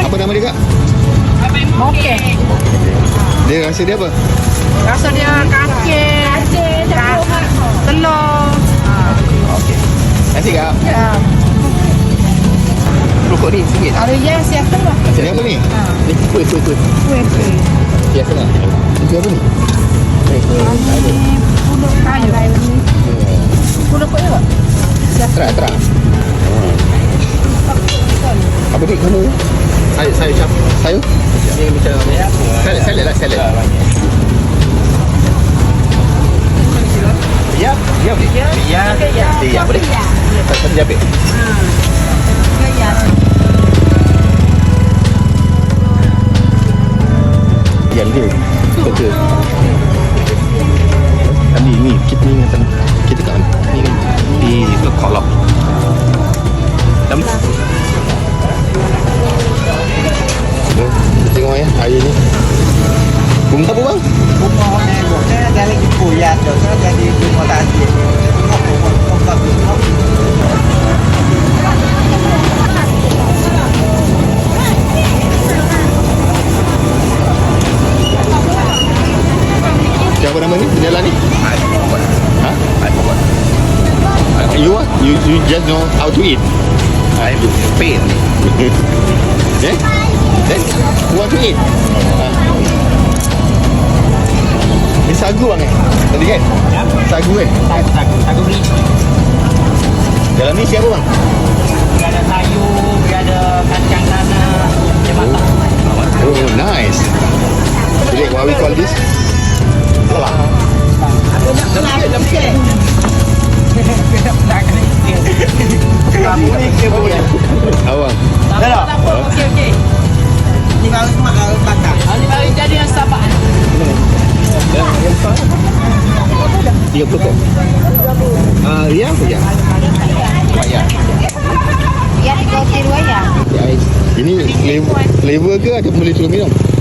Apa nama dia, Kak? Okey. Dia rasa dia apa? Rasa dia kacang, telur. Okey. Nanti, Kak. Ya. Rokok ni RM1. Ada yang siap tengah. Ni apa ni? Ni kuih. Kuih. Ya, tengah. Itu apa ni? Pulut kayu. Pulut apa ya? Terang. Apa ni kamu? Sayur campur. Sayur? Ni macam Salad lah, salad. Ya, ya boleh. Ya boleh. Satu jabit. Yang dia betul. Ni kita ni ingat kita kat ni kan di kolok. Tengok ya air ni. Bunga apa bang? Bunga ni dari kuya tu jadi bunga tadi. Siapa nama ni? Penjalan ni? Ha? I forgot. You just know how to eat. I'm Spain. Yeah? Then you want to eat? Ni sagu bang tadi kan? Ya. Sagu kan? Sagu ni. Dalam ni siapa bang? Dia ada sayur, dia ada kacang tanah, dia masak. Oh, nice. Jadi what we call this? Telah. Awang. Dah. Okey. Ni baru bakar. Ini baru jadi yang sabaan. 30 kok. Ya apa ya? Ya. Ya, 30 ya. Ini flavor ke atau boleh suruh minum?